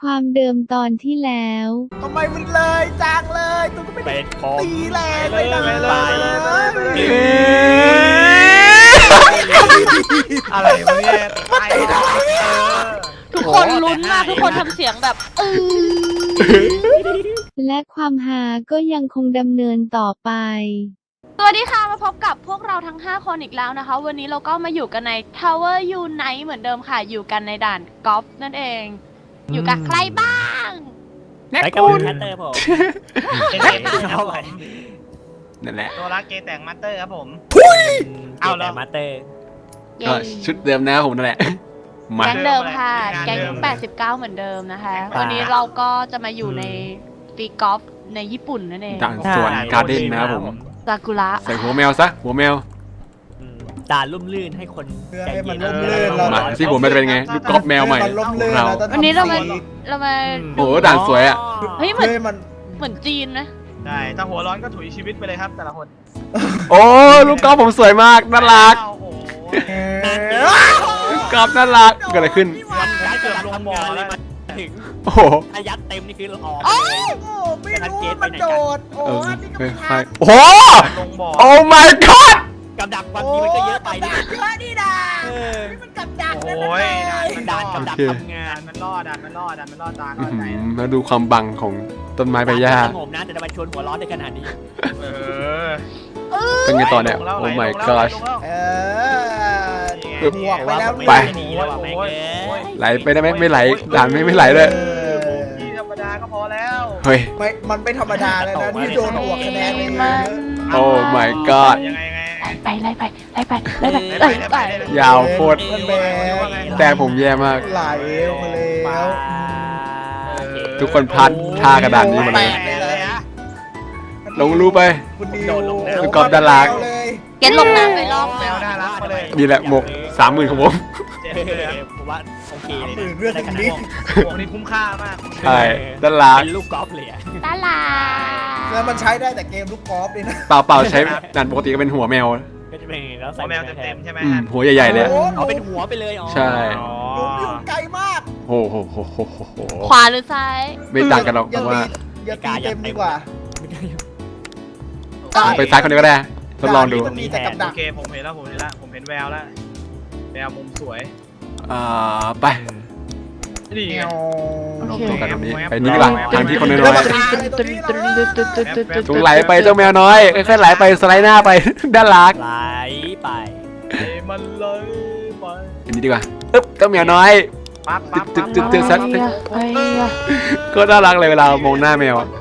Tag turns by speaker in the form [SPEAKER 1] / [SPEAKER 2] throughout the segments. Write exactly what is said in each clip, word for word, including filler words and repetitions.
[SPEAKER 1] ความเดิมตอนที่แล้ว
[SPEAKER 2] ทำไมมันเลยจางเลยตัวก็ไม่ได้ตีแรงเลยนะอะไรวะเนี่ยตายได้
[SPEAKER 3] ทุกคนลุ้นมากทุกคนทำเสียงแบบเออ
[SPEAKER 1] และความหาก็ยังคงดำเนินต่อไป
[SPEAKER 3] สวัสดีค่ะมาพบกับพวกเราทั้งห้าคนอีกแล้วนะคะวันนี้เราก็มาอยู่กันใน Tower Unite เหมือนเดิมค่ะอยู่กันในด่านกอล์ฟนั่นเองอยู่กับใครบ้าง
[SPEAKER 4] ไปกับคุณแคทเตอร์ผมเกแต่งครับผม
[SPEAKER 5] นั่นแหละ
[SPEAKER 4] ตัวรักเกแต่งมาสเตอร์ครับผม
[SPEAKER 5] เอา
[SPEAKER 4] เก
[SPEAKER 5] แล้
[SPEAKER 4] แต่
[SPEAKER 5] ว
[SPEAKER 4] งมาสเตอร์
[SPEAKER 3] เย้
[SPEAKER 5] ก็ชุดเดิมนะผมนั่นแหละมา
[SPEAKER 3] แก๊งเดิมค่ะ
[SPEAKER 4] งาน
[SPEAKER 3] แก๊ง
[SPEAKER 4] เดิม
[SPEAKER 3] แปดสิบเก้าเหมือนเดิมนะคะ
[SPEAKER 4] แก๊งแปดสิบเก้า
[SPEAKER 3] วันนี้เราก็จะมาอยู่ในตีกอล์ฟในญี่ปุ่นนั่นเอง
[SPEAKER 5] ด่านสวนการ์เด้นนะครับผม
[SPEAKER 3] ซากุระ
[SPEAKER 5] ใส่หัวแมวซะหัวแมว
[SPEAKER 4] ด่านลุ่มลื่นให้คน
[SPEAKER 2] เพื่อ
[SPEAKER 4] ใจ
[SPEAKER 2] ให้มั
[SPEAKER 4] เย็
[SPEAKER 2] น
[SPEAKER 4] น
[SPEAKER 2] ร่มรื่นเรา
[SPEAKER 5] มาที่ผมมันจะเป็นไงลูกกอล์ฟแมวใหม่
[SPEAKER 2] มันร่ม
[SPEAKER 5] ของ
[SPEAKER 2] รื่น
[SPEAKER 5] เรา
[SPEAKER 2] เราต้อง
[SPEAKER 3] วันนี้เรามา
[SPEAKER 2] ทำสี
[SPEAKER 3] เรามา
[SPEAKER 5] โอ้โหด่านสวยอ่ะ
[SPEAKER 3] เฮ้ยเหมือน
[SPEAKER 2] เพื่อให้มัน
[SPEAKER 3] เหมือนจีนนะ
[SPEAKER 4] ใช่ถ้าหัวร้อนก็ถุยชีวิตไปเลยครับแต่ละคน
[SPEAKER 5] โอ้ลูกกอล์ฟผมสวยมากน่ารัก
[SPEAKER 4] โอ้โห
[SPEAKER 2] เอ
[SPEAKER 5] ลูกกอล์ฟน่ารักเกิดอะไรขึ้น
[SPEAKER 4] วันท้ายเกือบลงบ่อเลยมาถึง
[SPEAKER 5] โอ้โห
[SPEAKER 4] ถ้ายัดเต็มนี่คือเราออก
[SPEAKER 2] โอ้
[SPEAKER 4] เลย
[SPEAKER 2] โหไม่รู้มันโดดโอ้
[SPEAKER 5] เออ
[SPEAKER 2] อันนี้ก็
[SPEAKER 5] ใคร
[SPEAKER 2] ไม่
[SPEAKER 5] ใคร
[SPEAKER 2] ทัน
[SPEAKER 5] โอ้โห
[SPEAKER 4] ลงบ่อ
[SPEAKER 5] โอ้ my god
[SPEAKER 4] กับดักบางทีมันก็เยอะไป
[SPEAKER 2] โอ้
[SPEAKER 4] นี่
[SPEAKER 2] กับดักเยอะนี่นะ
[SPEAKER 4] เออ
[SPEAKER 2] นี่มันกับดัก
[SPEAKER 4] โอ้
[SPEAKER 2] เลย
[SPEAKER 4] ยด่านมันด่านกับดัก
[SPEAKER 5] โอเค
[SPEAKER 4] ทำงานมันรอดด่านมันรอดด่านมันรอดตา
[SPEAKER 5] อื้
[SPEAKER 4] เข้า
[SPEAKER 5] อหื
[SPEAKER 4] ใจ
[SPEAKER 5] อมาดูความบังของต้นไม้ใบหญ้า
[SPEAKER 4] สงบนะแต่ทำไมชวนหัวร้อนได้ขนาดนี้เออ
[SPEAKER 5] เป็นไงต่อเนี่ยโอ้ my god
[SPEAKER 2] เออ
[SPEAKER 4] นี่ไง
[SPEAKER 2] บวกไปแล้ว
[SPEAKER 5] ไป
[SPEAKER 4] หนีแล้วว่ะแม่งเอ้ย
[SPEAKER 5] ไหลไปได้ไหมไม่ไหลด่านไม่ไม่ไหลเลย
[SPEAKER 4] ที่ธรรมดาก็พอแล้ว
[SPEAKER 5] เฮ้ย
[SPEAKER 2] ไม่มันไม่ธรรมดาเลยนะที่โดนบวกคะแนนเลยนะ
[SPEAKER 5] โอ้ my god
[SPEAKER 4] ยังไงยังไง
[SPEAKER 3] ไล่ไปไล่ไปไล่ไปไล่ไปไล่ไป
[SPEAKER 5] ยาวโคตร
[SPEAKER 2] มันแบน
[SPEAKER 5] แต่ผมแย่มาก
[SPEAKER 2] ไหลลงมาแล้ว
[SPEAKER 5] ทุกคนพลาดท่ากระดานนี้หมดเลย ลงรูไป
[SPEAKER 2] คุณดิ
[SPEAKER 4] โด
[SPEAKER 2] ว
[SPEAKER 4] ดลงน้ำ
[SPEAKER 5] คุณกอล์ฟด้านล่าง
[SPEAKER 2] เลย
[SPEAKER 3] เก็ตลงน้ำไปรอบ
[SPEAKER 4] แมวน่ารักมาเลย
[SPEAKER 5] นี่แหละหมกสามหมื่นของผม
[SPEAKER 4] เจ๊เลยผมว่าโอเคเลย
[SPEAKER 2] ตื่นเรื่องตรงนี้
[SPEAKER 4] พวกนี้คุ้มค่ามาก
[SPEAKER 5] ใช่ด้านล่าง
[SPEAKER 4] เป็นลูกกอล์ฟเลยอ่ะ
[SPEAKER 3] ตาลา
[SPEAKER 2] แล้วมันใช้ได้แต่เกมลูกกอล์ฟเลยนะ
[SPEAKER 5] เปล่าเปล่าใช้ด่านปกติก็เป็นหัวแมว
[SPEAKER 4] ก็จะเป็นแล้วใส่แมวเต็มๆใช่ไหม
[SPEAKER 5] อืมหัวใหญ่ๆเลย
[SPEAKER 2] โอ้
[SPEAKER 4] เอาเป็นหัวไปเลยอ๋อ
[SPEAKER 5] ใช่
[SPEAKER 2] หลุมอยู่ไกลมาก
[SPEAKER 5] โอ้โหโหโหโหโห
[SPEAKER 3] ขวาหรือซ้าย
[SPEAKER 5] ไม่ต่างกันหรอก
[SPEAKER 2] อย่า
[SPEAKER 5] ว่า
[SPEAKER 2] ตีอย่าตีเต็มดีกว่า
[SPEAKER 5] ไปซ้ายคนเดียวก็ได้ทดลองดู
[SPEAKER 2] มันมีแต่กับดั
[SPEAKER 4] โอก เคผมเห็นแล้วผมเห็นแล้วผมเห็นแววแล้วแววมุมสวย
[SPEAKER 5] อ่าไป
[SPEAKER 4] นี่ไง
[SPEAKER 5] ลองตัวกันตรงนี้ไปนี่ดีกว่าทางที่คนน้อย
[SPEAKER 2] ๆ
[SPEAKER 5] ๆจงไหลไปเจ้าแมวน้อยค่อยๆไหลไปสไลด์หน้าไป ด้านหลัง
[SPEAKER 4] ไหลไปมันเลยไป
[SPEAKER 5] อันนี้ดีกว่าอึ๊บเจ้าแมวน้อย
[SPEAKER 4] ปั๊บปั๊บ
[SPEAKER 5] ตึ๊ดตึ๊ดตึ๊ดสัก ก็น่ารักเลยเวลามองหน้าแมวอะ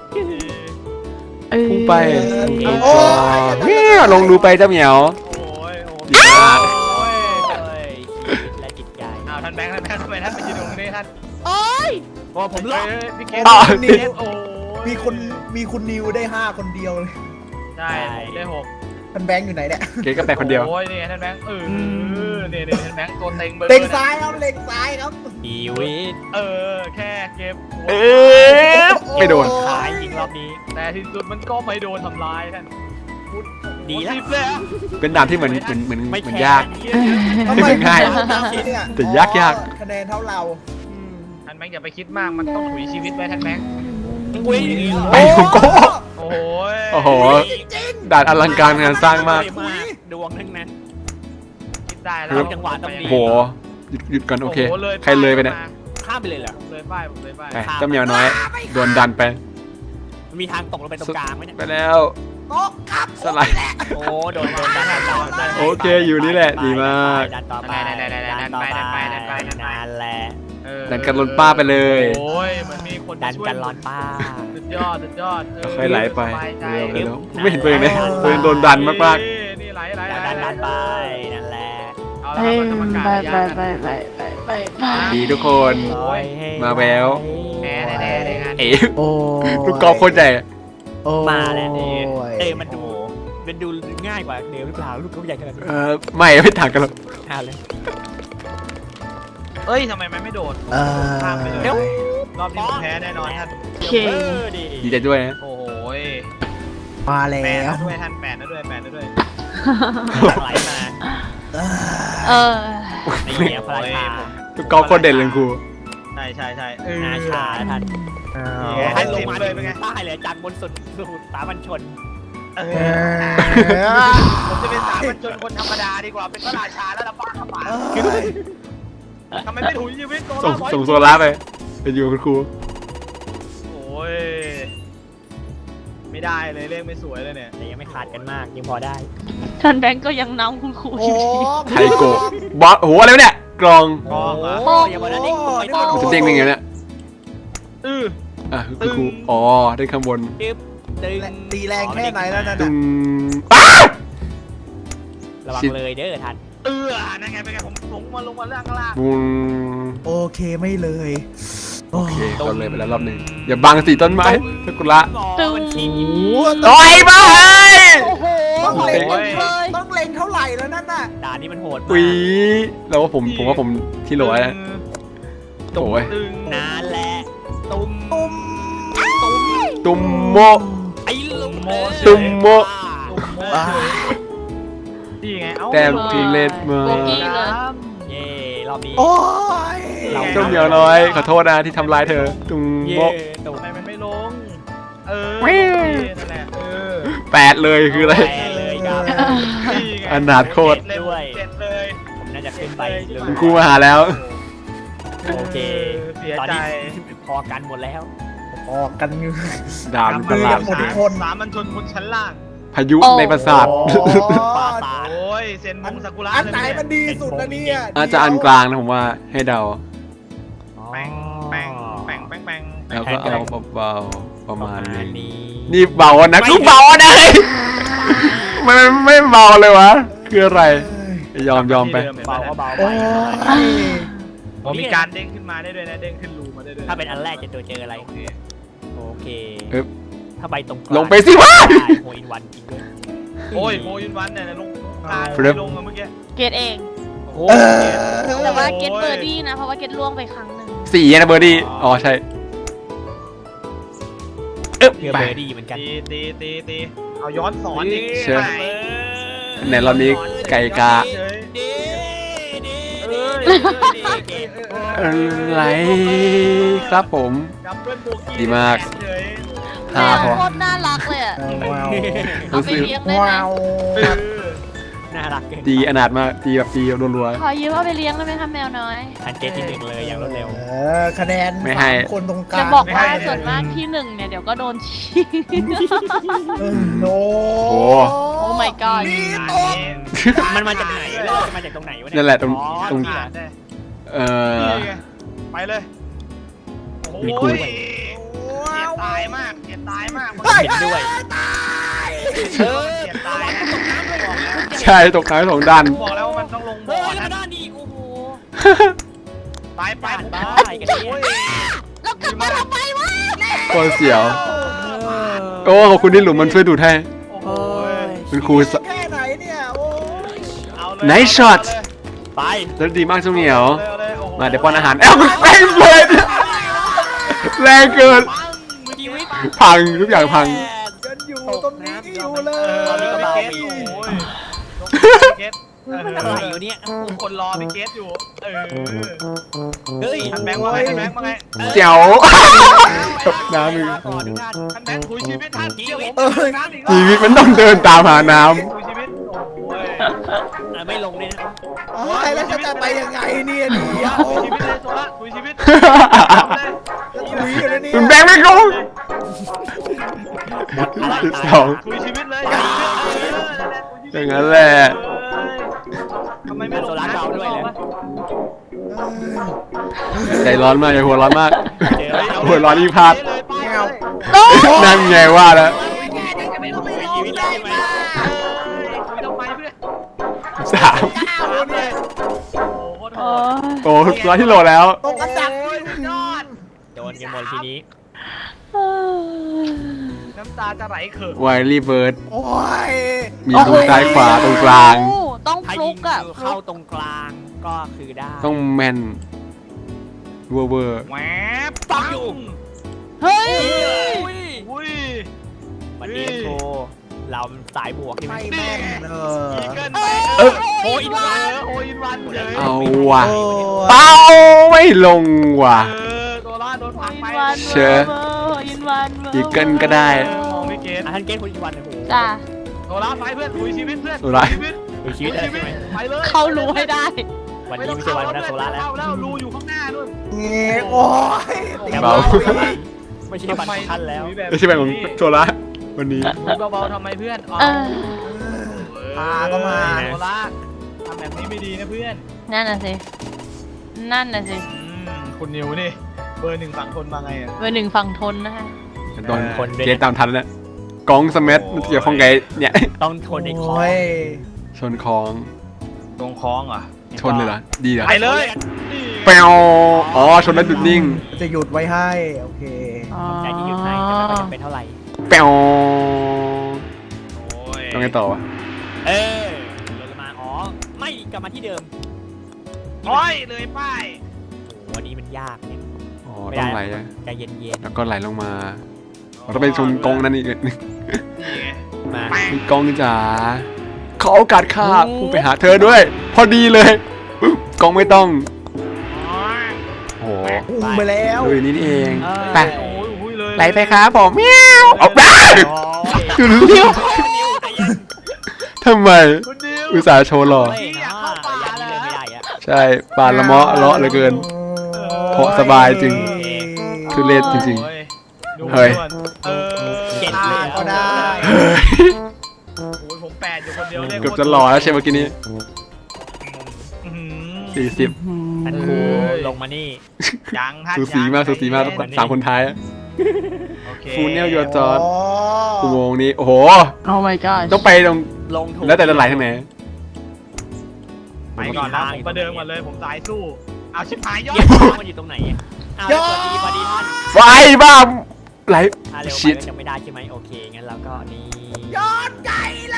[SPEAKER 5] พุ่งไปเนี่ยลงดูไปเจ้าเหมียว
[SPEAKER 4] โอ้ยโอ้
[SPEAKER 5] ดีมาก
[SPEAKER 4] ยและจิตใจอ้าวท่านแบงค์ท่านแบงค์ทำไมท่านไปยืนตรงนี้ท่าน
[SPEAKER 3] โอ้ย
[SPEAKER 4] โอ้ผมรอดพี่เกศ
[SPEAKER 5] อ่ะ
[SPEAKER 4] พี่เกศโอ้ย
[SPEAKER 2] มีคนมีคุณนิวได้ห้าคนเดียวเลย
[SPEAKER 4] ใช่ได้หก
[SPEAKER 2] ท่านแบงค์อยู่ไหนเนี่ย
[SPEAKER 5] เก๋ก็แปลคนเดียว
[SPEAKER 4] โอ้ยนี่ท่านแบงค์เออเนี่ยเนี่ยท่านแบงค์ตัวเต็งเบอร์
[SPEAKER 2] เล็งซ้ายครับเล็งซ้ายครับ
[SPEAKER 4] ชีวิตเออแค่เก็บหัว
[SPEAKER 5] เออไม่โดน
[SPEAKER 4] ขายจริงรอบนี้ แต่ที่สุดมันก็ไม่โดนทำร้ายท่านดีแล้ว
[SPEAKER 5] เป็นด่านที่เหมือนเหมือนเหมือน
[SPEAKER 4] ไม่
[SPEAKER 5] เหมือน
[SPEAKER 4] แคร์
[SPEAKER 5] ยาก
[SPEAKER 2] ทำไม
[SPEAKER 5] ง่าย
[SPEAKER 2] คุณนิวเนี่ย
[SPEAKER 5] แต่ยากยาก
[SPEAKER 2] คะแนนเท่าเรา
[SPEAKER 4] ท่านแบงค์อย่าไปคิดมากมันต้องถุยชีวิตไว้ท่านแบงค์อุ้ย
[SPEAKER 5] ไปผมก็
[SPEAKER 4] โอ้โห
[SPEAKER 5] โอ้โห ด่านอลังการงานสร้างมาก
[SPEAKER 4] ดวงทั้งนั้นคิดได้แล้วจังหวะต้องดี
[SPEAKER 5] โอ้โหหยุดหยุดก่อนโอเค ใครเลยไปเนี่ย
[SPEAKER 4] ข้ามไปเลยเหรอเลยป้ายผมเลยป้าย
[SPEAKER 5] ไปเจ้าเหมียวน้อยโดนดันไป
[SPEAKER 4] มันมีทางตกลงไปตรงกลางไหมเนี่ย
[SPEAKER 5] ไปแล้ว
[SPEAKER 2] โต๊ะครับ
[SPEAKER 5] สไลด์
[SPEAKER 4] โอ้โดนโดนดันดัน
[SPEAKER 5] โอเคอยู่นี่แหละดีมาก
[SPEAKER 4] ดันต่อไปดันไปดันไปดันไปนั่นแหละ
[SPEAKER 5] ดันกันลนป้าไปเลย
[SPEAKER 4] โอ้ยมันมีคนดันกันร้อนป้าสุดยอดสุดยอด
[SPEAKER 5] ค่อยไหลไปเร็วเร็วไม่เห็นตัวเองเลยตัวเองโดนดันมาก
[SPEAKER 4] นี่ไหลไหลดันดันไปนั่นแหละเอา
[SPEAKER 3] ไป
[SPEAKER 4] ละครับกรรมการ
[SPEAKER 3] ไปไปไปไปไปไป
[SPEAKER 5] ๆดีทุกคน มาแวว
[SPEAKER 4] แพ้แน่ๆเลยงาน
[SPEAKER 5] เอ๋
[SPEAKER 2] โอ้
[SPEAKER 5] ลูกกอล์ฟโคตรใหญ่
[SPEAKER 4] มาแล้วนี่เต้มันดูมันดูง่ายกว่าเดิมหรือเปล่าลูกเขาใหญ่ขนาดนี้
[SPEAKER 5] เออไม่ไม่ต่างกันหรอก
[SPEAKER 4] อ่าเลยเอ้ยทำไมมันไม่โดด
[SPEAKER 2] เออ
[SPEAKER 4] ข้ามไปเลยรอบนี้ผมแพ้แน่นอนท่าน
[SPEAKER 3] โอเค
[SPEAKER 4] เออดี
[SPEAKER 5] ดีใจด้วยนะ
[SPEAKER 4] โอ้โห
[SPEAKER 2] มาแล้
[SPEAKER 4] แปด
[SPEAKER 2] ว
[SPEAKER 4] นะด้วยท่านแปดนะด้วยแปดนะด้วยไหลมา
[SPEAKER 3] เออ
[SPEAKER 4] นี่พลาด
[SPEAKER 5] ลูกกอล์ฟโคตรเด่นเลยครู
[SPEAKER 2] ใช่ใช่ใช่เออ
[SPEAKER 4] นาชาท่าน
[SPEAKER 2] อ๋
[SPEAKER 4] ท่า
[SPEAKER 2] อน
[SPEAKER 4] ลงมา
[SPEAKER 2] เลยเป็นไง
[SPEAKER 4] ใต้เลยจากบนสุดสู่สามัญชน
[SPEAKER 2] เออผมจะเป็นสามัญชนคนธรรมดาดีกว่าเป็นพระราชาแล้วละบ้าครับป่าทำไมไม่ถุยชีวิตโซ
[SPEAKER 5] ส่ง
[SPEAKER 2] ล่า
[SPEAKER 5] ส่งโซล่าไปไปอยู่กับคุณครู
[SPEAKER 2] โอ้ยไม่ได้เลยเลขไม่สวยเลยเนี่ย
[SPEAKER 4] แต่ยังไม่ขาดกันมากยังพอได้
[SPEAKER 3] ท่านแบงก์ก็ยังนำคุณครู
[SPEAKER 2] โอ้
[SPEAKER 3] อยู่ดี
[SPEAKER 5] ไทโกะบอสโอ้โหอะไรวะเนี่ยกลอง
[SPEAKER 2] กองเหรอ
[SPEAKER 4] โอ้อย่าบอกนะนี่กูไม่ต้อง
[SPEAKER 5] มันจะเด้งได้ไงเนี่ย
[SPEAKER 2] เออ
[SPEAKER 5] อ่ะคุณครูอ๋อได้ข้างบน
[SPEAKER 4] ดึบดึง
[SPEAKER 2] ตีแรงแค่ไหนแล้วนั่น
[SPEAKER 5] ตึ
[SPEAKER 2] น่ะ
[SPEAKER 5] งอ้า
[SPEAKER 4] ระวังเลยเด้อท่าน
[SPEAKER 2] เออนั่นไงเป็นไงผมผมมาลงมาล่างข้างล่าง
[SPEAKER 5] บุง
[SPEAKER 2] โอเคไม่เลย
[SPEAKER 5] โอเคเราเลยไปแล้วรอบหนึ่งอย่าบังสีต้นไม้ซากุระ
[SPEAKER 3] ตึง
[SPEAKER 5] โอ้ยบ้าเฮ้ย
[SPEAKER 3] โอ้โห
[SPEAKER 2] ต้องเล็ง
[SPEAKER 3] เลย
[SPEAKER 2] ต้องเล็งเท่าไหร่แล้วนั่นน่ะ
[SPEAKER 4] ด่านนี้มันโหด
[SPEAKER 5] อุ้
[SPEAKER 4] มาย
[SPEAKER 5] แล้วว่าผมผมว่าผมที่โหลแล้วโอ้ย
[SPEAKER 2] ตึง
[SPEAKER 4] กนานแหละตุ้ม
[SPEAKER 2] ตุ้ม
[SPEAKER 5] ตุ้มโม
[SPEAKER 4] ไอ้ลุงเด้อ
[SPEAKER 5] ตุ้มโม
[SPEAKER 2] อ่านี่ไงเอ้า
[SPEAKER 5] แต้มกิเลสมา
[SPEAKER 3] โบกี้เลย
[SPEAKER 4] เย่รอบนี้
[SPEAKER 2] โอ้ย
[SPEAKER 4] เรา
[SPEAKER 5] เจ้าเหมียวน้อยขอโทษนะที่ทำร้ายเธอตุ้ม
[SPEAKER 4] เย่
[SPEAKER 5] โม
[SPEAKER 4] ตุ้ม
[SPEAKER 2] ทำไมมันไม่ลง เออ
[SPEAKER 5] แม่ง
[SPEAKER 2] นั่นแหละเออ
[SPEAKER 5] แปดเลยคืออะไร
[SPEAKER 4] แปดเลยครับ
[SPEAKER 2] นี่ไง
[SPEAKER 5] อนาถโคตร
[SPEAKER 2] เจ็ดเลยเจ็ดเลย
[SPEAKER 4] ผมน่าจะขึ้นไปเร็ว
[SPEAKER 5] คุณครูมาหาแล้ว
[SPEAKER 4] โอเค
[SPEAKER 2] เสีย
[SPEAKER 4] ตอน
[SPEAKER 2] ใจ
[SPEAKER 4] นี้พอกันหมดแล้ว
[SPEAKER 2] ออกกันอยู่
[SPEAKER 5] ดามตลาด
[SPEAKER 2] หมดทุกคนสามัญชนคนชั้นล่าง
[SPEAKER 5] พายุในปราสาท
[SPEAKER 4] ปราสาท
[SPEAKER 2] โอ้ยเซนมงซากุระ
[SPEAKER 6] อันไหนมันดีสุดนะเนี่ย
[SPEAKER 5] อาจจะอันกลางนะผมว่าให้เดา
[SPEAKER 2] แป้งแป้งแป้งแป้งแป้ง
[SPEAKER 5] แล้วก็เอาเบาๆประมาณนี้
[SPEAKER 4] นี้
[SPEAKER 5] นี่เบานะกูเบานะมันไม่เบาเลยวะคืออะไรยอมยอมไป
[SPEAKER 4] เบาก็เบาไป
[SPEAKER 6] โอ้ย
[SPEAKER 2] ผมมีการเด้งขึ้นมาได้ด้วยนะเด้งขึ้นรูมาได้ด้วย
[SPEAKER 4] ถ้าเป็นอันแรกจะตัวเจออะไร
[SPEAKER 2] โอเค
[SPEAKER 4] โอเค
[SPEAKER 5] อึ๊บ
[SPEAKER 4] ถ้าไปตรง
[SPEAKER 5] ลงไปสิวะ
[SPEAKER 4] โฮอินวันจริงด้วย
[SPEAKER 2] โอ้ยโมยุนวันเนี่ยลงตา
[SPEAKER 5] ครับ
[SPEAKER 2] ลงอะเมื่อกี้
[SPEAKER 3] เกตเอง
[SPEAKER 2] โอ้
[SPEAKER 3] แต่ว่าเกตเบอร์ดี้นะ เพราะว่าเกตล่วงไปครั้งหนึ่ง
[SPEAKER 5] สี่นะเบอร์ดี้อ๋อใช่เอ๊บ
[SPEAKER 4] เพื่อ
[SPEAKER 5] ไป
[SPEAKER 4] เบอร์ดี้เหมือนกัน
[SPEAKER 2] ตีตีตีตีเอาย้อนสอนอีก
[SPEAKER 5] เชิญ
[SPEAKER 2] ไป
[SPEAKER 5] ไหนรอบนี้ไก่กา
[SPEAKER 2] เฉย
[SPEAKER 4] ดีดี
[SPEAKER 2] เอ้ย
[SPEAKER 5] อะไรครับผม
[SPEAKER 2] ดับเบิลโบกี้
[SPEAKER 5] ดีมาก
[SPEAKER 2] เฉย
[SPEAKER 3] แม
[SPEAKER 5] ห้าว พอ
[SPEAKER 3] โคตรน่ารักเลยอะ
[SPEAKER 6] ว้าว
[SPEAKER 3] เอาไปเลี้ยงได้ไหม
[SPEAKER 6] ว้าว
[SPEAKER 2] เออ
[SPEAKER 4] น่ารักเกิน
[SPEAKER 5] ตีอนาถมากตีแบบตีรัว
[SPEAKER 3] ขอยืมเอาไปเลี้ยงได้ไหมคะแมวน้อย
[SPEAKER 4] ทันเกตที่หนึ่งเลยอย่างรวดเร็ว
[SPEAKER 6] เออคะแนน
[SPEAKER 5] ไม่ให้
[SPEAKER 6] สามคนตรงกลาง
[SPEAKER 3] จะบอกว่าส่วนมากที่หนึ่งเนี่ยเดี๋ยวก็โดนชี้
[SPEAKER 6] เออโอ้
[SPEAKER 5] โอ้
[SPEAKER 3] โอ้ my god
[SPEAKER 6] นี่
[SPEAKER 2] อัน
[SPEAKER 6] ตก
[SPEAKER 2] นี้
[SPEAKER 4] มันมาจากไหนเลยมันมาจากตรงไหนวะเนี่ย
[SPEAKER 5] นั่นแหละตรง
[SPEAKER 4] อ๋อ
[SPEAKER 5] ตรง
[SPEAKER 4] นี่เหรอ
[SPEAKER 2] ได้
[SPEAKER 5] เออ
[SPEAKER 2] นี่ไงไปเลยโอ้
[SPEAKER 5] มีคู่
[SPEAKER 2] ยเจ็บตายมากเจ็บตายมาก
[SPEAKER 4] เห็นด้วย
[SPEAKER 2] เออเจ็บตายนะบอกแล้ว
[SPEAKER 5] ใช่ตกน้ำสองดัน
[SPEAKER 2] บอกแล้วว่ามันต้องลงบ่
[SPEAKER 4] เฮ้
[SPEAKER 2] อย
[SPEAKER 4] แล้ว
[SPEAKER 2] นะ
[SPEAKER 4] มาด้านนี้อีกโอ้โห
[SPEAKER 2] ไปไป
[SPEAKER 4] บ้าน
[SPEAKER 2] ผม
[SPEAKER 4] บ้ากันเนี่ย
[SPEAKER 2] โอ้ย
[SPEAKER 3] แล้วกลับมาทำไมวะ
[SPEAKER 5] โคตรเสียว โอ้ขอบคุณที่หลุมมันช่วยดูดให้
[SPEAKER 2] โอ้โห
[SPEAKER 5] คุณครูส
[SPEAKER 6] แค่ไหนเนี่ยโอ้ย
[SPEAKER 2] เอาเลย
[SPEAKER 5] Nice shot
[SPEAKER 4] ไป
[SPEAKER 5] แล้วดีมากเจ้าเหมียว
[SPEAKER 2] อลโอ้โห
[SPEAKER 5] มาเดี๋ยวป้อนอาหารเอ้าแรงเลยแรงเกิน
[SPEAKER 4] ชีวิต
[SPEAKER 5] พังทุกอย่างพัง
[SPEAKER 6] ยังอยู่ตรงนี้อยู่เล
[SPEAKER 2] เออ
[SPEAKER 6] ย
[SPEAKER 2] พี่เกตโอ้ยพี่เกตเออ
[SPEAKER 4] อะไรอยู่เนี่ย
[SPEAKER 2] คนรอพี่เกตอยู่เออ
[SPEAKER 4] เฮ้ย
[SPEAKER 2] ท่านแบงค์ว่าไงท่านแบงค์ว่าไง
[SPEAKER 5] เจ๋วจบน้ำมือ
[SPEAKER 4] ต่อทุกท่าน
[SPEAKER 2] ท่านแบงค์คุยชีวิตท่านชีวิต
[SPEAKER 6] เออ
[SPEAKER 2] น้ำอีก
[SPEAKER 5] ชีวิตมันต้องเดินตามหาน้
[SPEAKER 2] คุยชีวิตโอ้ย
[SPEAKER 4] อ่ะไม่ลงเลยนะ
[SPEAKER 6] โอ้ยแล้วจะไปยังไงเนี่ยเดียว
[SPEAKER 2] คุยชีวิตเลยโซล่าคุยชีวิต
[SPEAKER 5] ำ
[SPEAKER 6] คุยอยู่นะเนี่ย
[SPEAKER 5] คุณแบงค์ไม่ลงสิบสอง
[SPEAKER 2] คุยชีวิตเลย
[SPEAKER 5] อย่างนั้นแหละ
[SPEAKER 2] ทำไมไม่ล
[SPEAKER 4] โซ
[SPEAKER 2] ง
[SPEAKER 4] ล่าเบาด้วยเลย
[SPEAKER 5] ใจร้อนมากอย่าหัวร้อนมาก
[SPEAKER 4] เจอแล้ว
[SPEAKER 5] หัวร้อนยิ่งพลาด
[SPEAKER 2] เงา
[SPEAKER 5] นั่นไงว่าแล้ว
[SPEAKER 4] ชีวิตได้ไหม
[SPEAKER 2] คุยทำไมเพื่อน
[SPEAKER 5] สาม
[SPEAKER 2] โอ้โหโคตรโห
[SPEAKER 3] โอ้
[SPEAKER 2] ด
[SPEAKER 5] โอ้ร้อนที่โหลแล้ว
[SPEAKER 6] ตกอันดับ
[SPEAKER 2] โอ้ยยอด
[SPEAKER 4] โดนกันหมดทีนี้
[SPEAKER 2] น้ำตาจะไหลเขิน
[SPEAKER 5] ไวลี่เบิร์ด
[SPEAKER 6] โอ้ย
[SPEAKER 5] มีตรงซ้ายขวาตรงกลาง
[SPEAKER 3] ต้อง
[SPEAKER 4] ถ้า
[SPEAKER 3] ฟลุ
[SPEAKER 4] ยิ
[SPEAKER 3] ก
[SPEAKER 4] ง
[SPEAKER 3] อะ
[SPEAKER 4] คือเข้าตรงกลางก็คือได้
[SPEAKER 5] ต้องแมนเวอร์เวอร์
[SPEAKER 2] แหวบปัง
[SPEAKER 3] เฮ้ย
[SPEAKER 4] อุ้ย
[SPEAKER 2] อุ้ย
[SPEAKER 4] วันนี้โชว์เราสายบวกใช่ไหม
[SPEAKER 6] ไม่แม่นเออ
[SPEAKER 2] อีเกินไป
[SPEAKER 5] เออ
[SPEAKER 2] โออินวันโออินวันเลย
[SPEAKER 5] เอาว่ะ
[SPEAKER 6] โอ้ย
[SPEAKER 5] เป้าไม่ลงว่ะ
[SPEAKER 2] เออ
[SPEAKER 3] วันเว
[SPEAKER 5] เชิ
[SPEAKER 3] อ
[SPEAKER 5] ญ
[SPEAKER 3] ร์โฮอินวันเวอร์
[SPEAKER 5] อีเกิลก็ได้
[SPEAKER 2] เออมองไม่เก็ต
[SPEAKER 4] อ่ะท่านเกณฑ์คนอีกวันโอ้โห
[SPEAKER 3] จ้า
[SPEAKER 2] โซล่าไปเพื่อนลุยชีวิตเพื่อน
[SPEAKER 5] โซล่า
[SPEAKER 2] ชีวิต
[SPEAKER 4] ดูชีวิตได้ใช่ไหม
[SPEAKER 2] ไปเลย
[SPEAKER 3] เขารู้ให้ได้
[SPEAKER 4] วันนี้ไม่ใช่วันวันโซล่าแล้ว
[SPEAKER 2] เข้าแล้วรูอยู่ข้างหน้านู่น
[SPEAKER 6] เงี้ยโอ้ย
[SPEAKER 4] แต่
[SPEAKER 5] เบา
[SPEAKER 4] ว่าไม่ใช่วันของท่านแล้ว
[SPEAKER 5] ไม่ใช่แบบของโซล่าวันนี้
[SPEAKER 2] ลุยเบาๆทำไมเพื่อน
[SPEAKER 3] เออ
[SPEAKER 6] พาก็มา
[SPEAKER 2] โซล่าทำแบบนี้ไม่ดีนะเพื่อน
[SPEAKER 3] นั่นน่ะสิ นั่นน่ะสิ
[SPEAKER 2] อืมคุณนิวนี่เบอร์หนึ่งฝั่งทนมาไงอ่ะ
[SPEAKER 3] เบอร์หนึ่งฝั่งทนนะคะ
[SPEAKER 5] โดน
[SPEAKER 4] คนด้วย
[SPEAKER 5] เกตตามทันแล้วกองสมัทเกี่ยวข้องไงเนี่ย
[SPEAKER 4] ต้องทนในคอ
[SPEAKER 6] โอ้ย
[SPEAKER 5] ชนคลอง
[SPEAKER 2] ตรงคล้องเหรอ่ะ
[SPEAKER 5] ชนเลยเหรอดีเหรอ
[SPEAKER 2] ไปเลย
[SPEAKER 5] แปวอ๋อชนแล้วหยุดนิ่ง
[SPEAKER 6] จะหยุดไว้ให้โอเค
[SPEAKER 4] ใจที่หยุดให้แต่ไม่ค่อยจำเป็นเท่าไหร่
[SPEAKER 5] แปว
[SPEAKER 2] โอ้ย
[SPEAKER 5] ต้องไงต่อวะ
[SPEAKER 4] เออลงมาอ๋อไม่กลับมาที่เดิม
[SPEAKER 2] โอ้ยเลยป้าย
[SPEAKER 4] โอ้วันนี้มันยากเนี่ย
[SPEAKER 5] อ๋อต้องไหลอะ
[SPEAKER 4] ใจเย็น
[SPEAKER 5] แล้วก็ไหลลงมาเราต้องไปชนกองนั่นอีก
[SPEAKER 2] นี่ไง
[SPEAKER 4] ๆมา
[SPEAKER 5] มีกองจ๋าขอโอกาสข้าพุ่งไปหาเธอด้วย พอดีเลยปึ๊บกองไม่ต้องโอ้โห
[SPEAKER 6] พุ่งไปแล้ว
[SPEAKER 5] ดูอย่างนี้นี่เองไป
[SPEAKER 2] โอ้ยอุ้ยเลย
[SPEAKER 5] ไหลไปครับผมเมียวเอาไปดูเร็วทำไม
[SPEAKER 2] คุณนิว
[SPEAKER 5] อุตส่าห์โชว์หล่อ
[SPEAKER 4] เฮ้ยนะระยะนี้เดินไม่ได้อะ
[SPEAKER 5] ใช่ปานละเมาะเลาะเหลือเกิน เพราะสบายจริง ทุเรศจริง
[SPEAKER 2] โอ้ยดู
[SPEAKER 5] เฮ้ย
[SPEAKER 2] ด่วนเออ
[SPEAKER 4] เจ็ด
[SPEAKER 6] พา
[SPEAKER 4] เลย
[SPEAKER 6] ก็ได้
[SPEAKER 5] เฮ้ย
[SPEAKER 2] โอ้ยผมแปดอยู่คนเดียวเลย
[SPEAKER 5] เกือบจะหล่อแล้วใช่เมื่อกี้นี้
[SPEAKER 2] อื้อหือ
[SPEAKER 5] สี่สิบ
[SPEAKER 4] ท่านครูลงมานี่
[SPEAKER 2] ยังท่าน
[SPEAKER 5] สูสีมาก
[SPEAKER 2] ยัง
[SPEAKER 5] สูสีมาก
[SPEAKER 2] ใจเย็น
[SPEAKER 5] สามคนท้ายอะ
[SPEAKER 2] โอเค
[SPEAKER 5] ฟูเนลยูจอร์ดอุโมงค์นี้โอ้โห
[SPEAKER 3] โอ้ my god
[SPEAKER 5] ต้องไปตรง
[SPEAKER 4] ลงถูก
[SPEAKER 5] แล้วแต่จะไหลทางไหน
[SPEAKER 2] ไปก่อนนะผมประเดิมก่อนเลยผมสายสู้เอาชิบหายยอ
[SPEAKER 4] เยี่ย
[SPEAKER 2] ด
[SPEAKER 4] มมันอยู่ตรงไหนอะอ้าวสวัสดีสวัสดีท่าน
[SPEAKER 5] ไฟบ้าไหล
[SPEAKER 4] อ่ะเร็วไป
[SPEAKER 5] ชิด
[SPEAKER 4] ก็ยังไม่ได้ใช่ไหมโอเคงั้นเราก็นี่
[SPEAKER 6] ย้อนไกลเลย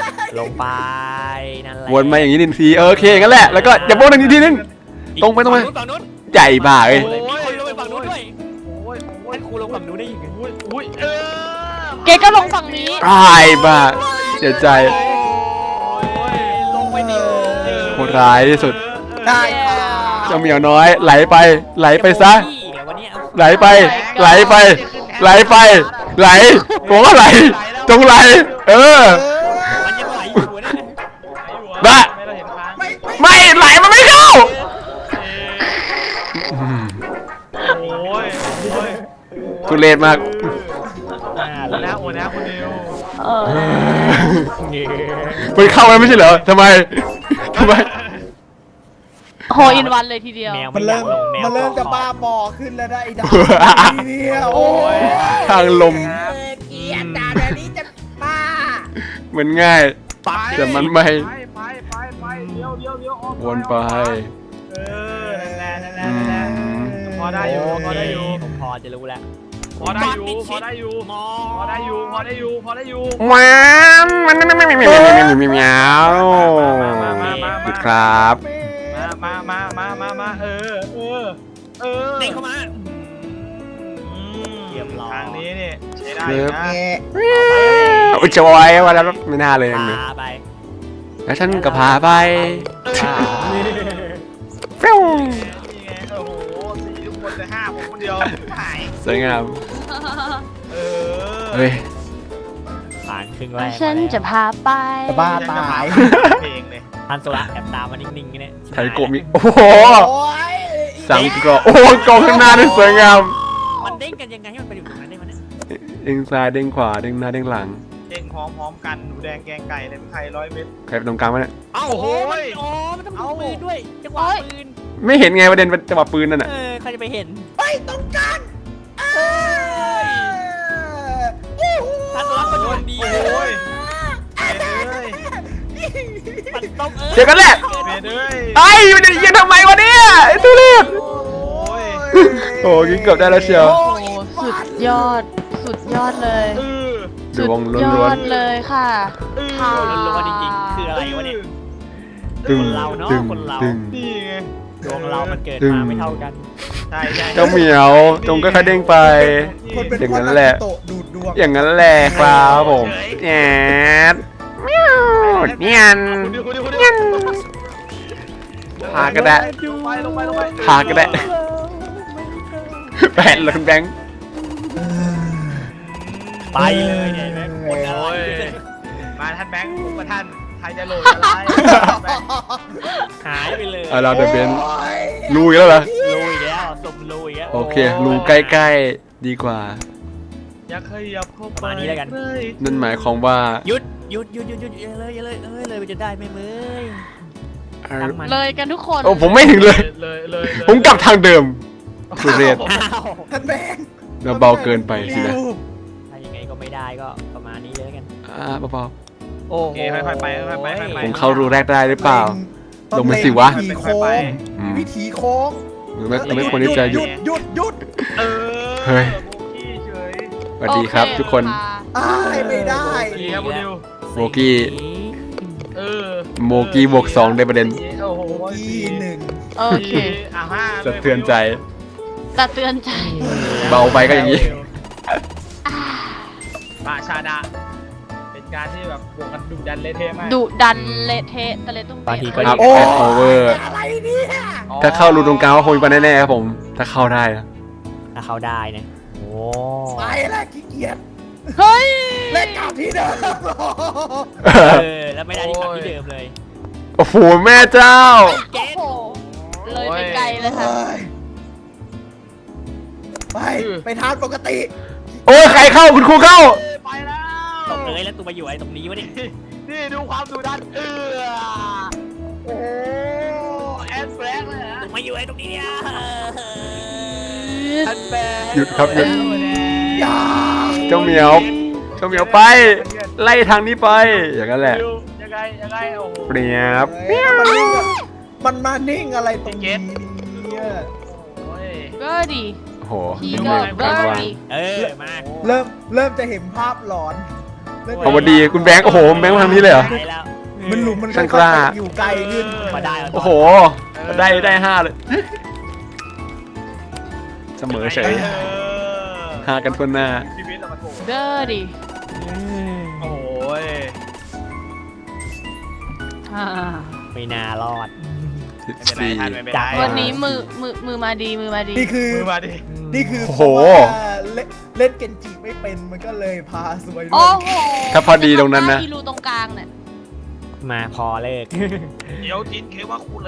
[SPEAKER 4] ลงไปนั่นแหละ
[SPEAKER 5] วนมาอย่างนี้หนึ่งทีเออโอเคงั้นแหละแล้วก็อย่าโบนหนึ่งทีนึง ตรงไปตรงไป
[SPEAKER 4] ฝั่งนู้น
[SPEAKER 5] ใหญ่บ้าเอ้ย
[SPEAKER 4] ฝั่งนู้นมีคนลงไปฝั่งนู้นด้วย
[SPEAKER 2] โอ้ยโอ้ย
[SPEAKER 4] ท่านครูลงฝั่งนู้นได้ยังไง
[SPEAKER 2] โอ้ยโอ้ยเออ
[SPEAKER 3] เกก็ลงฝั่งนี้
[SPEAKER 5] ตายบ้าเสียใจ
[SPEAKER 2] โอ้ย
[SPEAKER 4] ลงไปดิ
[SPEAKER 5] โหดร้ายที่สุด
[SPEAKER 6] ได้ค่ะ
[SPEAKER 5] เจ้าเหมียวน้อยไหลไป ไหลไปซะ
[SPEAKER 4] พี่เดี๋ยววันนี้เอา
[SPEAKER 5] ไหลไป ไหลไป ไหลไป ไหลผมว่าไหลจงไหล เออ
[SPEAKER 4] มันยังไหลอยู่นะ
[SPEAKER 5] บ้า
[SPEAKER 2] ไม่เราเห็นค้าง
[SPEAKER 6] ไม่ไม่
[SPEAKER 5] ไม่ไหลมันไม่เข้า
[SPEAKER 2] โอ้ยโอ้ย
[SPEAKER 5] ทุเรศมาก
[SPEAKER 4] อ่า
[SPEAKER 2] โอ้นะโอ้นะคุณนิว
[SPEAKER 3] เออ
[SPEAKER 5] มันเข้าแล้วไม่ใช่เหรอทำไมทำไม
[SPEAKER 3] โฮอินวันเลยทีเดียว
[SPEAKER 4] แมว
[SPEAKER 6] มันเริ่ม
[SPEAKER 4] ไอยากลงแว
[SPEAKER 6] มันเริ่มจะ
[SPEAKER 4] กา
[SPEAKER 6] บ้าบอขึ้นแล้วได้ไอ้ดาเนี่ยโอ้
[SPEAKER 2] โอ้ย
[SPEAKER 5] ทางลม
[SPEAKER 6] เกลียดด่าแบบนี้จะบ้า
[SPEAKER 5] มันง่าย
[SPEAKER 2] ไป
[SPEAKER 5] แต่มันไม่
[SPEAKER 2] ไปไปไปไปเลี้ยวเลี้ยวเลี้ยวออก
[SPEAKER 5] วนไป
[SPEAKER 2] เออนั่นแหละนั่นแหละนั่นแหละพอได้อยู่พอได้อยู่
[SPEAKER 4] ผมพอจะรู้แล้ว
[SPEAKER 2] พอได้อยู่พอได้อยู่พอได้อยู่พอได้อยู่พอได้อยู่
[SPEAKER 5] ว้าวมันไม่ไม่ไม่ไม่ไม่ไม่ไม่ไม่ไม่ไม่หยุดครับ
[SPEAKER 2] มามามามามามาเออเออเออ
[SPEAKER 4] เด้งเข้ามา
[SPEAKER 2] อืม
[SPEAKER 4] เรียบร้อย
[SPEAKER 2] ทางนี้นี่ใช้ได้อยู่นะ
[SPEAKER 6] แง่
[SPEAKER 5] อุ้ยจอยว่าแล้วไม่น่าเลย
[SPEAKER 4] พา
[SPEAKER 5] เลย
[SPEAKER 4] ไป
[SPEAKER 5] แล้วฉันก็พาไป
[SPEAKER 4] พา
[SPEAKER 5] ฟิว
[SPEAKER 2] นี่ไงโอ้โหสี่ทุกคนแต่ห้าผมคนเดียวหาย
[SPEAKER 5] สวยงาม
[SPEAKER 2] เออ
[SPEAKER 5] เฮ้ย
[SPEAKER 4] ผ่านครึ่งแรก
[SPEAKER 3] ฉันจะพาไป
[SPEAKER 6] จะบ้าตาย
[SPEAKER 2] เพลงเลย
[SPEAKER 4] ทันโซละแอบตามมานิ่งๆเนี่ย
[SPEAKER 5] ไทยโกะมีโอ้โห
[SPEAKER 6] โอ้ย
[SPEAKER 5] สังกะโอ้โหกองข้างหน้าด้วยสวยงาม
[SPEAKER 4] มันเด้งกันยังไงให้มันไปอยู่ตรงนั้นได้มันเนี่ย
[SPEAKER 5] เด้งซ้ายเด้งขวาเด้งหน้าเด้งหลัง
[SPEAKER 2] เด้งพร้อมๆกันหนูแดงแกงไก่เลยเป็นใครร้อยเม็ด
[SPEAKER 5] ใครไปตรงกลางวะเนี่ย
[SPEAKER 4] เอ้า
[SPEAKER 2] โอ้โห
[SPEAKER 4] มันอ๋อมันต้องมีปืนด้วยจังหวะปืน
[SPEAKER 5] ไม่เห็นไงประเด็นเป็นจังหวะปืนนั่นน่ะ
[SPEAKER 4] เออใครจะไปเห็น
[SPEAKER 6] ไปตรงกันเออ
[SPEAKER 4] ทันโซละก็โดนดี
[SPEAKER 2] โอ้ยเบดเอ้ย
[SPEAKER 4] มันต้องเออ
[SPEAKER 5] เจอกันแหละ
[SPEAKER 2] เบดเอ้ย
[SPEAKER 5] ไอ้มันจะยิงทำไมวะเนี่ยไอ้ทุเรศ
[SPEAKER 2] โอ้ย
[SPEAKER 5] โอ้ยิงเกือบได้แล้วเชียว
[SPEAKER 3] โอ้สุดยอด สุดยอดเลย
[SPEAKER 2] เออ
[SPEAKER 5] ดวง
[SPEAKER 3] สุดย
[SPEAKER 5] ล้
[SPEAKER 3] อ
[SPEAKER 5] วน
[SPEAKER 3] ดเลยค่ะ
[SPEAKER 2] เออ
[SPEAKER 3] ค่ะ
[SPEAKER 4] ล้วนๆจริงๆคืออะไรวะเนี่ย
[SPEAKER 5] ๆตึง
[SPEAKER 4] เราเนอะ
[SPEAKER 5] ตึง
[SPEAKER 4] คนเรา
[SPEAKER 5] ตึง
[SPEAKER 2] นี่ไง
[SPEAKER 4] ดวงเรามันเกิด
[SPEAKER 5] ตึง
[SPEAKER 4] มาไม่เท่ากัน
[SPEAKER 2] ใช่ใช่
[SPEAKER 5] เจ้าเหมียวจงก็ค่อยๆเด้งไป
[SPEAKER 6] คนเป็น
[SPEAKER 5] อย่างนั้นแหละ
[SPEAKER 6] โตะดูดดวง
[SPEAKER 5] อย่างนั้นแหละครับผมแอดเมียวเนียน
[SPEAKER 2] คุณดิวคุณดิวคุณดิว
[SPEAKER 5] พาก็ได้
[SPEAKER 2] ลงไปลงไปลงไป
[SPEAKER 5] พาก็ได้แปดเลยคุณแบงค์
[SPEAKER 4] ไปเลยเนี่ยแม่งคนอะไร
[SPEAKER 2] มาท่านแบงค์ผมกับท่านใครจะโหลดอะไร
[SPEAKER 4] หายไปเลย
[SPEAKER 5] เอาเราเดอะเบนลุยแล้วเหรอ
[SPEAKER 4] ลุยแล้วสมลุยแล้ว
[SPEAKER 5] โอเคลุยใกล้ๆดีกว่า
[SPEAKER 2] อย่าขยับเข้าไป
[SPEAKER 4] ประมาณนี้แล้วกัน
[SPEAKER 2] เลย
[SPEAKER 5] นั่นหมายความว่า
[SPEAKER 4] หยุดหยุดหยุดหยุดหยุดอย่าเลยอย่าเลยเอ้ยเลยมันจะได้ไหมเมย
[SPEAKER 5] เอ่อ
[SPEAKER 4] ตั้งมัน
[SPEAKER 3] เลยกันทุกคน
[SPEAKER 5] โอ้ผมไม่ถึงเลย
[SPEAKER 2] เลยเลยเลย
[SPEAKER 5] ผมกลับทางเดิมทุเรศ
[SPEAKER 4] อ้าว
[SPEAKER 6] ท่านแบงค์
[SPEAKER 5] เราเบาเกินไปสินะ
[SPEAKER 4] ถ้ายังไงก็ไม่ได้ก็ประมาณนี้เลยแล้วกัน
[SPEAKER 5] อ่าเบา
[SPEAKER 4] โอ้
[SPEAKER 2] โอเคค่อยๆไปค่อยๆไปค่อยๆไป
[SPEAKER 5] ๆผมเข้ารูแรกได้หรือเปล่า
[SPEAKER 6] ต้อง
[SPEAKER 5] ลงไปสิวะ
[SPEAKER 6] วิธีโค้ง
[SPEAKER 5] อืม
[SPEAKER 6] วิธีโค้ง
[SPEAKER 5] หรือไม่หรือไม่ควรที่จะห
[SPEAKER 6] ห
[SPEAKER 5] ยุ
[SPEAKER 6] ยุ
[SPEAKER 5] ด
[SPEAKER 6] ดหยุดหยุด
[SPEAKER 2] เออ
[SPEAKER 5] เฮ้ย
[SPEAKER 2] โบกี้เฉย
[SPEAKER 5] สวัสดีครับ
[SPEAKER 3] โอเ
[SPEAKER 5] ทุกคน
[SPEAKER 3] ะ
[SPEAKER 6] อ้ายไม่ได้
[SPEAKER 2] สวัสดีครับคุณดิว
[SPEAKER 5] โบกี้
[SPEAKER 2] เออ
[SPEAKER 5] โมกี้บวกสองได้ประเด็น
[SPEAKER 2] โอ้โห
[SPEAKER 6] โบกี้หนึ่ง
[SPEAKER 3] โอเค
[SPEAKER 2] อ่ะห้าลย
[SPEAKER 5] สะเทือนใจ
[SPEAKER 3] สะเตือนใจ
[SPEAKER 5] เบาไปก็อย่างนี้
[SPEAKER 3] อ่า
[SPEAKER 2] มาชาดะเป็นการที่แบบบวกกันดุดันเละเทะมาก
[SPEAKER 3] ดุดันเละเทะตะเละตุ้ม
[SPEAKER 4] บางที
[SPEAKER 3] เป๊ะ
[SPEAKER 4] ก็
[SPEAKER 5] อัพ
[SPEAKER 6] โอ้
[SPEAKER 5] แอดโอเวอร์
[SPEAKER 6] อะไรเนี่ย
[SPEAKER 5] ถ้าเข้ารูตรงกลางก็คงมีปัญหาแน่ๆครับผม ถ้าเข้าได้นะ
[SPEAKER 4] ถ้าเขาได้เนี่ยโอ้
[SPEAKER 6] ไปแล้วขี้เกียจ
[SPEAKER 3] เฮ้ย
[SPEAKER 6] เล่นกลับที่เดิม
[SPEAKER 4] เออแล้วไม่ได้ที่กลับที่เดิมเลย
[SPEAKER 5] โอ้โหแม่เจ้า
[SPEAKER 3] โอ้โหเลยไปไกลเลยค่ะ
[SPEAKER 6] ไปไปทานปกติ
[SPEAKER 5] โอ้ยใครเข้าคุณครูเข้า
[SPEAKER 2] ไปแล้ว
[SPEAKER 4] ตกเลยแล้วตัวมาอยู่ไอ้ตรงนี้วะเนี่ย
[SPEAKER 2] นี่ดูความดุดันเออโอ้โหแอนแฟรงค์เลยฮะ
[SPEAKER 4] ตัวมาอยู่ไอ้ตรงนี้เนี่ย
[SPEAKER 2] แอนแฟรงค์
[SPEAKER 5] หยุดครับหยุด
[SPEAKER 6] อย่า
[SPEAKER 5] เจ้าเหมียว เจ้าเหมียวไป ไล่ทางนี้ไป อย่างนั้นแหละ
[SPEAKER 2] ยังไงยังไงโอ้โห
[SPEAKER 5] เปรียบ
[SPEAKER 6] เอ้ยมันนิ่งอะมันมานิ่งอะไรตรงนี้เนี่ย
[SPEAKER 2] โอ้ย
[SPEAKER 3] เบอร์ดี
[SPEAKER 5] โอ้โห
[SPEAKER 3] พี่
[SPEAKER 5] น้อง
[SPEAKER 3] ก็
[SPEAKER 5] เมฆ
[SPEAKER 3] เบ
[SPEAKER 5] ก
[SPEAKER 3] อ
[SPEAKER 5] ลาง
[SPEAKER 3] ร์
[SPEAKER 5] วาง
[SPEAKER 3] ดี
[SPEAKER 4] เออมา
[SPEAKER 6] เริ่มเริ่มจะเห็นภาพหลอนเริ่มจะ
[SPEAKER 5] เอาวันดีคุณแบงค์โอ้โหแบงค์มาทางนี้เลยเหรอ
[SPEAKER 4] ไปแล้ว
[SPEAKER 6] มันหลุมมัน
[SPEAKER 5] ช่างกล้า
[SPEAKER 6] ค่อยๆอยู่ไกลขึ้น
[SPEAKER 4] มาได้แล้ว
[SPEAKER 5] โอ้โห ได้ได้ห้าเลย เสมอเฉย
[SPEAKER 2] ออ
[SPEAKER 5] ห้ากันทั่วหน้า
[SPEAKER 2] ชีวิตอะมาโถ
[SPEAKER 3] เบอร์ดี
[SPEAKER 2] โอ้ย
[SPEAKER 3] อ่า
[SPEAKER 4] ไม่น่ารอด
[SPEAKER 5] สิบ
[SPEAKER 2] ไม่เป็นไร
[SPEAKER 5] สี่
[SPEAKER 2] ท่านไม่เป็น
[SPEAKER 4] จั
[SPEAKER 2] ไร
[SPEAKER 4] บ
[SPEAKER 3] วันนี้มือมือมือมาดีมือมาดี
[SPEAKER 6] นี่คือ
[SPEAKER 2] มือมาดิ
[SPEAKER 6] นี่คือ
[SPEAKER 5] โอ้โห
[SPEAKER 6] เพราะว่าเล่นเล่นเกนจิไม่เป็นมันก็เลยพาสวยด้
[SPEAKER 3] โอ้
[SPEAKER 6] วย
[SPEAKER 3] โห
[SPEAKER 5] ถ้าพอดีตรงนั้นนะ
[SPEAKER 3] ที่รูตรงกลางเนี่ย
[SPEAKER 4] มาพอเลิก
[SPEAKER 2] เดี๋ยวจินเคว่าคูเล่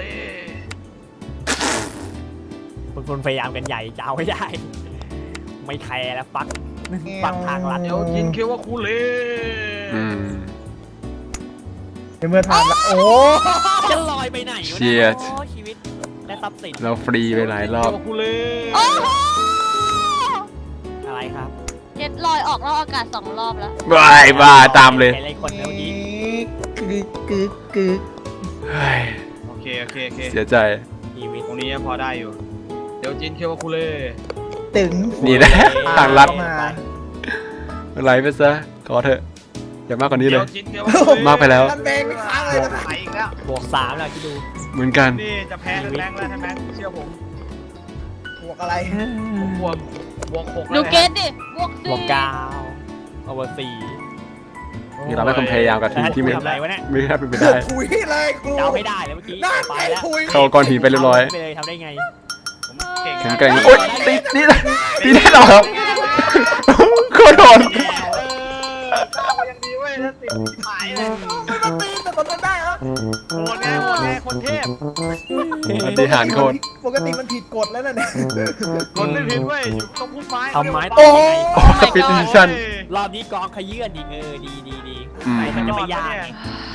[SPEAKER 4] คุณคนพยายามกันใหญ่จะเอาไม่ได้ ไม่แคร์แล้วปักปักทางลัด
[SPEAKER 2] เดี๋ยวจินเคว่าคูเล่
[SPEAKER 5] อืม
[SPEAKER 6] ในเมื่อทานแล้วโอ้
[SPEAKER 4] จะลอยไปไหนวะ
[SPEAKER 5] เชี
[SPEAKER 4] เนี่ย
[SPEAKER 5] ยร์
[SPEAKER 4] โอ้ชีวิตและทรัพย์สิน
[SPEAKER 5] เราฟรีไปหลายรอบ
[SPEAKER 2] จินเคว่าคูเล่
[SPEAKER 3] โอ้โห
[SPEAKER 4] อะไรครับ
[SPEAKER 3] เจ็ดลอยออกนอกอากาศสองรอบแล้ว
[SPEAKER 5] บายบ้าตามเลย
[SPEAKER 4] ใครคนเมื่อกี้
[SPEAKER 6] กึกกึกกึก
[SPEAKER 5] เฮ้ย
[SPEAKER 2] โอเคโอเคโอเค
[SPEAKER 5] เสียใจ
[SPEAKER 4] ชีวิต
[SPEAKER 2] ตรงนี้ยังพอได้อยู่ เดี๋ยวจินเคว่าคูเล่
[SPEAKER 6] ตึง
[SPEAKER 5] นี่นะ ทางลัด
[SPEAKER 6] มา
[SPEAKER 5] อะไรไปซะ ขอเถอะ อย่ามากกว่านี้เล
[SPEAKER 2] เดี๋ย
[SPEAKER 5] ยว
[SPEAKER 2] จินเคว่าคูเล่
[SPEAKER 5] มากไปแล้ว
[SPEAKER 6] ท่านแบงค์ไม่ค้างเลยนะ
[SPEAKER 2] ไปอีกแล้ว
[SPEAKER 4] บวกสามแล้วคิดดู
[SPEAKER 5] เหมือนกัน
[SPEAKER 2] นี่จะแพ้แรงแล้วใช่ไหมเชื่อผม
[SPEAKER 6] บวกอะไร
[SPEAKER 2] ผมบวกบวกหก
[SPEAKER 3] ดู
[SPEAKER 2] แล้ว
[SPEAKER 3] เกตดิบวก
[SPEAKER 4] บ
[SPEAKER 3] สี่
[SPEAKER 4] วกเก้าโอเวอร์สี่
[SPEAKER 5] นี่เราไม่ความพยายามกับทีมที่ไม่
[SPEAKER 4] ทำอะไรวะเนี่ย
[SPEAKER 5] ไม่น่าเป็นไป
[SPEAKER 6] เกื
[SPEAKER 5] ได้
[SPEAKER 6] อบถุยเลยครู
[SPEAKER 4] เดาไม่ได้เลยเมื่อกี้
[SPEAKER 6] น่า
[SPEAKER 4] ไป
[SPEAKER 6] ไป
[SPEAKER 4] แล้ว
[SPEAKER 6] ถุย
[SPEAKER 5] เข้าก้อนหินไปเรียบร้อย
[SPEAKER 4] ไปเลยทำได้ไง
[SPEAKER 2] ผมเก่ง
[SPEAKER 5] แข็งแกร่งโอ๊ยตีตีตีได้เหรอครับโคตรโดน
[SPEAKER 2] เออก้าวยังดีเว้ยถ้าติดหายเลย
[SPEAKER 6] มันตีแต่ตอนนั้นได้แล้ว
[SPEAKER 2] โหดแน่โหดแน่คนเทพ
[SPEAKER 5] ปฏิหารย์โคตร
[SPEAKER 6] ปกติมันผิดกฎแล้วนะเนี่ย
[SPEAKER 2] คนไม่ผิดเว้ยอยู่ตรงพุ่มไม้
[SPEAKER 4] เอาไม้
[SPEAKER 6] โอ้
[SPEAKER 4] ต่อยังไง
[SPEAKER 5] โอ้สปิดดิชั่น
[SPEAKER 4] รอบนี้กองขยื่นอีกเออดีดีดี
[SPEAKER 5] อืม
[SPEAKER 4] ไหนมันจะไม่ยากไง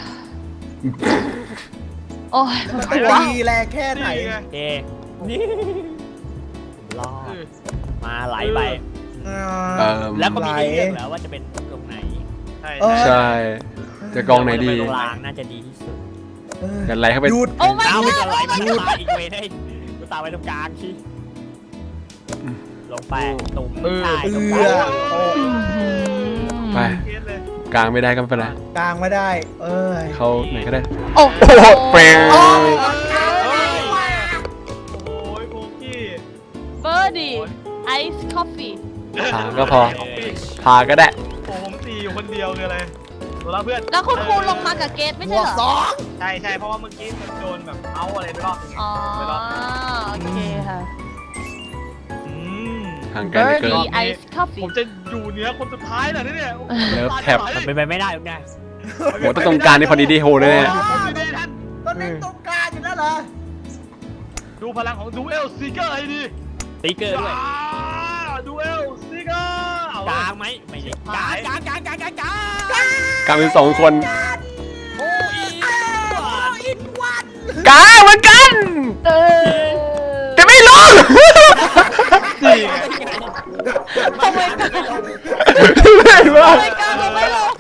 [SPEAKER 3] โอ้ย
[SPEAKER 6] มันจะตีแรงแค่ไหน
[SPEAKER 2] นี่ไง
[SPEAKER 4] โอเคนี่รอดมาไหลไป
[SPEAKER 5] เอิ่ม
[SPEAKER 4] แล้วก็มีให้เลือกแล้วว่าจะเป็นตรงไหน
[SPEAKER 2] ใช่
[SPEAKER 6] เออ
[SPEAKER 5] ใช่ จะกองไหนดี
[SPEAKER 4] ตรงกลางน่าจะดีที่สุด
[SPEAKER 5] กันไรเข้าไป
[SPEAKER 6] หยุด
[SPEAKER 3] โอ้ไม่
[SPEAKER 4] เอา
[SPEAKER 3] ได้
[SPEAKER 4] จะไหลไปตรงกลางอีกเวได้กูตามไปตรงกลางที่ลงไปตุ่มใช่ตรงก
[SPEAKER 6] เอื
[SPEAKER 4] ลา
[SPEAKER 6] อง โอ้
[SPEAKER 5] ไป
[SPEAKER 2] เคสเลย
[SPEAKER 5] กลางไม่ได้ก็ไม่เป็นไร
[SPEAKER 6] กลางไม่ได้ เอ้ย
[SPEAKER 5] เขาไหนก็ได้
[SPEAKER 3] โอ้
[SPEAKER 5] โอ้โหเปลง
[SPEAKER 2] โอ้ยโอ้ยโบกี้
[SPEAKER 3] เบอร์ดีไอซ์คอฟฟี่
[SPEAKER 5] พาก็พอ พาก็ได้
[SPEAKER 2] โอ้ผมตีอยู่คนเดียวคืออะไรตัวละเพื่อน
[SPEAKER 3] แล้วคุณครูลงมากับเกตไม่
[SPEAKER 6] บ
[SPEAKER 3] ใช่
[SPEAKER 6] วก
[SPEAKER 3] เหรอ
[SPEAKER 6] สอง
[SPEAKER 2] ใช่ใช่เพราะว่าเมื่อกี้มันโดนแบบเอาอะไรไปรอบนึงไง
[SPEAKER 3] อ๋อ
[SPEAKER 2] ไปรอบนึง
[SPEAKER 3] โอเคค่ะ
[SPEAKER 2] อืม
[SPEAKER 5] ห่างกันเหลือเกิน
[SPEAKER 3] มีไอซ์คอฟ
[SPEAKER 2] ผ
[SPEAKER 3] ฟี่
[SPEAKER 2] มจะอยู่เหนือคนสุดท้ายเหรอเนี่ย
[SPEAKER 5] เลิฟแท็บ
[SPEAKER 4] มันเป็นไปไม่ได้หรอกนะ
[SPEAKER 5] โหต้องตรงกลางนี่พอดีดีโฮเลย
[SPEAKER 2] โอ้
[SPEAKER 5] เนี่ย
[SPEAKER 2] โหดีท่าน
[SPEAKER 6] ตอนนี้ตรงกลางอยู่แล้วเหรอ
[SPEAKER 2] ดูพลังของดูเอลซีเกอร์ให้ดี
[SPEAKER 4] สติ๊กเกอร์ด้วย
[SPEAKER 2] ดูเอลซีเกอร์เอา
[SPEAKER 4] กลางไหมไม่ใช่กลางกลางกลางกลางกลางกลาง
[SPEAKER 5] กลางเป็นสองคน
[SPEAKER 4] โอ้ย
[SPEAKER 6] อินวัน
[SPEAKER 5] กลางเหมือนกัน
[SPEAKER 3] เออ
[SPEAKER 5] แต่ไม่ลง
[SPEAKER 2] สี่
[SPEAKER 3] ทำไมกัน
[SPEAKER 5] ไม่ว่า
[SPEAKER 3] ทำไมกันเราไม่ลง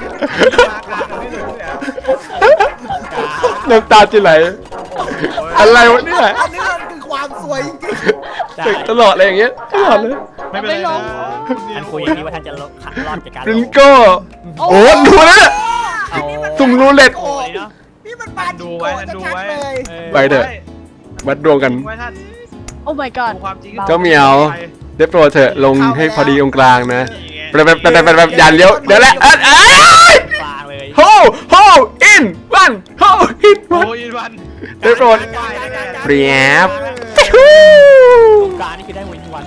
[SPEAKER 5] น้ำตาจะไหลอะไรวะเนี่ย
[SPEAKER 6] อันนี้มันคือความสวยจริง
[SPEAKER 4] ใช่
[SPEAKER 5] เด็กตลอดอะไรอย่างเงี้ยตลอดเลย
[SPEAKER 2] ไม่เป็นไรนะ
[SPEAKER 4] ท่านคุยอย่างนี้ว่าท่านจะรอดจากการ
[SPEAKER 5] ริงโก้โอ้ดูนะ
[SPEAKER 4] เอา
[SPEAKER 5] สุ่มรูเล็ต
[SPEAKER 4] โอ้ยเนาะ
[SPEAKER 6] ๆนี่มันมา
[SPEAKER 2] ดู
[SPEAKER 6] จิโก
[SPEAKER 2] ไว้
[SPEAKER 6] ะ
[SPEAKER 2] ดู
[SPEAKER 6] ชัด
[SPEAKER 2] ไว้
[SPEAKER 6] ๆเลย
[SPEAKER 5] ไปเถอะ วัดดวงกัน
[SPEAKER 2] ไว้ท่าน
[SPEAKER 3] โอ้ my god
[SPEAKER 2] ดูความจริง
[SPEAKER 5] เจ้าเหมียว ได้โปรดเถอะลงให้พอดีตรงกลางนะแบบแบบแบบแบบแบบอย่าเลี้ยวเดี๋ยวแหละเอ้ยเอ้ย
[SPEAKER 4] กลางเลย
[SPEAKER 5] โฮโฮอินวันโฮอิน
[SPEAKER 2] โอ้
[SPEAKER 5] วัน
[SPEAKER 2] ยวัน
[SPEAKER 5] ได้โปรดเปรียบ
[SPEAKER 4] กลางนี่คือได้วินวัน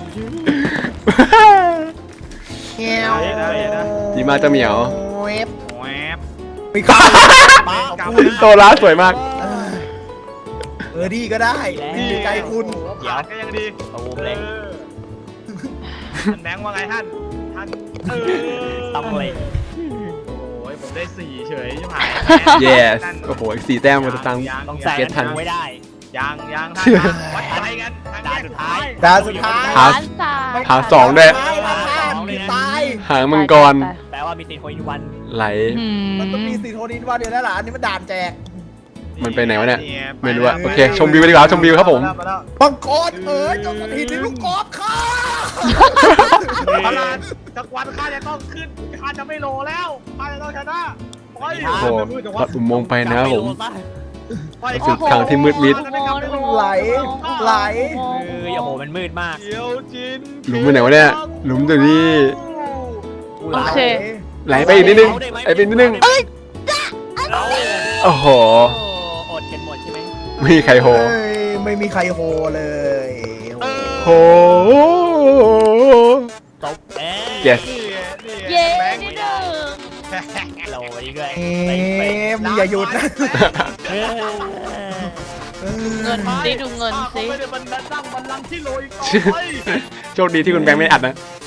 [SPEAKER 6] เงี้ยว
[SPEAKER 5] ดีมากเจ้าเหมียว
[SPEAKER 6] เว็บ
[SPEAKER 2] แหวบ
[SPEAKER 6] มีข้าว
[SPEAKER 4] ป้า
[SPEAKER 5] โตร้าสวยมาก
[SPEAKER 6] เออดีก็ได้ดีใจคุณ
[SPEAKER 2] เดี๋ยวก็ยังดี
[SPEAKER 4] ตูมเลย
[SPEAKER 2] ท่านแบงค์ว่าไงท่าน ท่านเออ
[SPEAKER 4] ต้องเลย
[SPEAKER 2] โอ้ยผมได้สี่เฉยใช่ไหม
[SPEAKER 5] yes โอ้โหอีกสี่แต้มมันจะตัง
[SPEAKER 4] ต้อง
[SPEAKER 5] ส
[SPEAKER 4] แซง
[SPEAKER 5] เก็ตทัน
[SPEAKER 4] ไม่ได้
[SPEAKER 2] ยังยังท่านวัดใจกันทางแยกสุดท้าย
[SPEAKER 6] ดาวสุดท้าย
[SPEAKER 5] หา
[SPEAKER 3] ล้านสาม
[SPEAKER 5] หาสองด้วย
[SPEAKER 6] ตายละท่านตาย
[SPEAKER 5] หางมังกร
[SPEAKER 4] แปลว่ามีติดโคอินวัน
[SPEAKER 5] ไหล
[SPEAKER 3] อื
[SPEAKER 6] มันต้องมีสีโทนินวันเดียวแล้วล่ะอันนี้มันด่านแจก
[SPEAKER 5] มันไปไหนวะเนี่ยไม่รู้อะโอเคชมวิวไปดีกว่าชมวิวครับผม
[SPEAKER 6] บังกรเอ๋ยเจ้าสถิตในลูกกอล์ฟค่ะ
[SPEAKER 2] พลานจักรวาลข้าจะต้องขึ้นข้าจะไม่โลแล้วข้าจะต้องชนะไป
[SPEAKER 5] โอ้โหลอดอุโมงค์ไปนะครับผม
[SPEAKER 2] ไป
[SPEAKER 5] สุดทางที่มืดมิด
[SPEAKER 6] ไหลไหล
[SPEAKER 4] เอ้ยโอ้โหมันมืดมาก
[SPEAKER 2] เดี๋ยวจิน
[SPEAKER 5] หลุมไปไหนวะเนี่ยหลุมตัวนี้
[SPEAKER 3] โอเค
[SPEAKER 5] ไหลไปอีกนิดนึงไหลไปอีกนิดนึงโอ้โห
[SPEAKER 4] โอ้อดกันหมดใช่ไหม
[SPEAKER 5] ไม่มีใครโห
[SPEAKER 6] เอ้ยไม่มีใครโฮเลย
[SPEAKER 5] โห
[SPEAKER 4] ตบเอ๊ะ
[SPEAKER 5] yes
[SPEAKER 3] เย้นิดหนึ่ง
[SPEAKER 4] เราอีกด้วย
[SPEAKER 6] เอ๊ะมึงอย่าหยุดนะ
[SPEAKER 4] เฮ้ย
[SPEAKER 3] เงินสิดูเงินสิ
[SPEAKER 2] ไม่ได้บันนั่งบันลังก์ที่โลอีกต่อไป
[SPEAKER 5] โชคดีที่คุณแบงค์ไม่อัดนะ